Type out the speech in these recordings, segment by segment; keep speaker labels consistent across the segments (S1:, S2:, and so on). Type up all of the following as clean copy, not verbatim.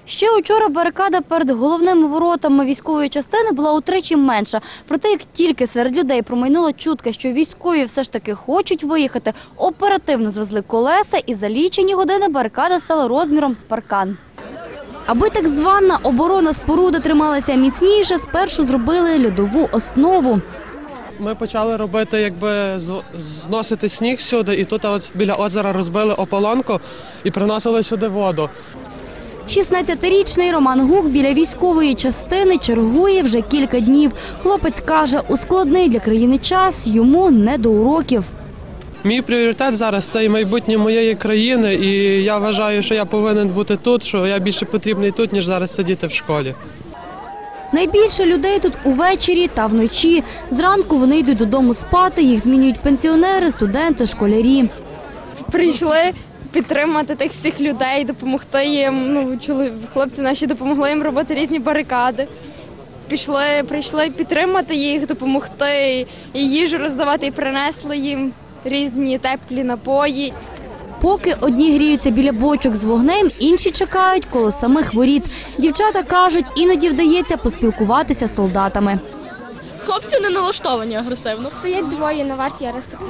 S1: Ще учора барикада перед головними воротами військової частини була утричі менша. Проте, як тільки серед людей промайнула чутка, що військові все ж таки хочуть виїхати, оперативно звезли колеса і за лічені години барикада стала розміром з паркан. Аби так звана оборона споруди трималася міцніше, спершу зробили льодову основу.
S2: Ми почали робити, зносити сніг сюди, і тут біля озера розбили ополонку і приносили сюди воду.
S1: 16-річний Роман Гук біля військової частини чергує вже кілька днів. Хлопець каже, у складний для країни час йому не до уроків.
S2: Мій пріоритет зараз – це і майбутнє моєї країни, і я вважаю, що я повинен бути тут, що я більше потрібний тут, ніж зараз сидіти в школі.
S1: Найбільше людей тут увечері та вночі. Зранку вони йдуть додому спати, їх змінюють пенсіонери, студенти, школярі.
S3: Прийшли підтримати тих всіх людей, допомогти їм. Хлопці наші допомогли їм робити різні барикади. Прийшли підтримати їх, допомогти, і їжу роздавати, і принесли їм різні теплі напої.
S1: Поки одні гріються біля бочок з вогнем, інші чекають коло самих воріт. Дівчата кажуть, іноді вдається поспілкуватися з солдатами.
S4: Хлопці не налаштовані агресивно.
S3: Стоять двоє на варті, я розтоплюсь.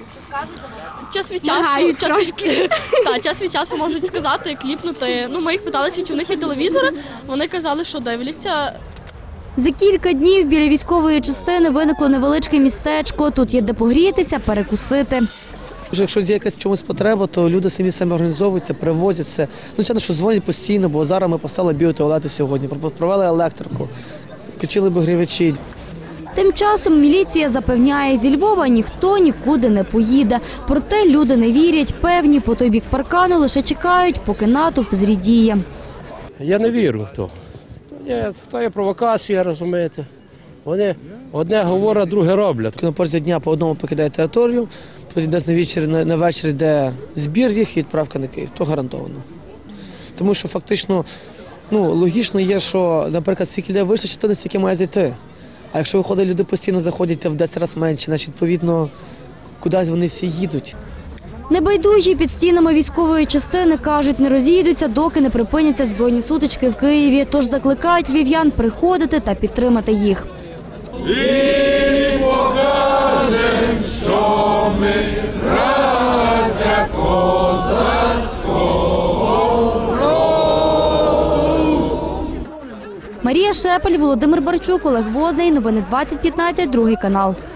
S4: Час від часу можуть сказати, кліпнути. Ми їх питалися, чи в них є телевізори. Вони казали, що дивляться.
S1: За кілька днів біля військової частини виникло невеличке містечко. Тут є де погрітися, перекусити.
S5: Якщо є якась чомусь потреба, то люди самі організовуються, привозять все. Звичайно, що дзвонять постійно, бо зараз ми поставили біотуалети сьогодні, провели електрику, включили обігрівачі.
S1: Тим часом міліція запевняє, зі Львова ніхто нікуди не поїде. Проте люди не вірять, певні по той бік паркану лише чекають, поки натовп зрідіє.
S6: Я не вірю в то. То є провокація, розумієте. Вони одне говорять, друге роблять.
S5: На порозі дня по одному покидають територію, потім десь на вечір йде збір їх і відправка на Київ. То гарантовано. Тому що фактично логічно є, що, наприклад, стільки людей вийшло, частина стільки має зайти. А якщо виходять, люди постійно заходять в 10 разів менше, значить, відповідно, кудись вони всі їдуть.
S1: Небайдужі під стінами військової частини, кажуть, не розійдуться, доки не припиняться збройні сутички в Києві. Тож закликають львів'ян приходити та підтримати їх.
S7: І покажем, що ми браття козацького роду.
S1: Марія Шепель, Володимир Барчук, Олег Возний. Новини 2015, Другий канал.